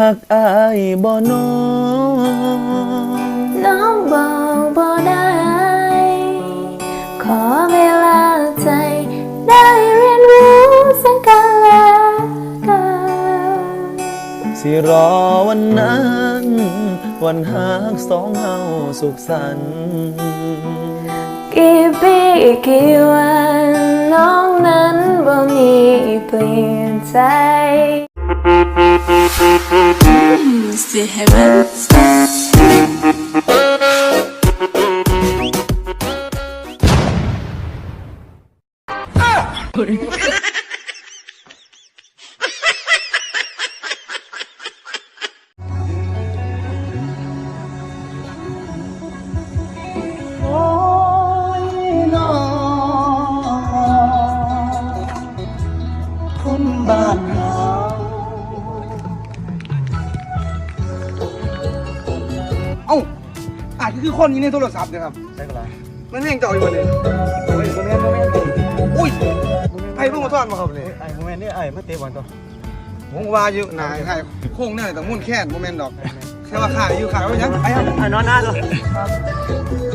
หักอายบ่น้องน้องบอกบ่ได้ ขอเวลาใจได้เรียนรู้ซึ่งกันและกันสิรอวันนั้นวันหักสองเฮาสุขสันต์กี่ปีกี่วันน้องนั้นบ่มีเปลี่ยนใจ Still heaven. โอ้ยน้องคนบ้านเฮาเอ้าอาจจะคือคนนี้ในโทรศัพท์นะครับใช่ก็ได้มันแม่งเจ่ออยู่วันนี้โอ้ยโมเมนต์อุ้ยไพ่เพิ่งมาทอดมาครับเลยไอ้โมเมนต์นี่ไอ้มาเตะบอลต่อผมว่าอยู่นายใครโค้งเนี่ยแต่มุ่นแค่โมเมนต์ดอกแค่ว่าขาอยู่ขาไว้ยังไอ้นอนหน้าตัว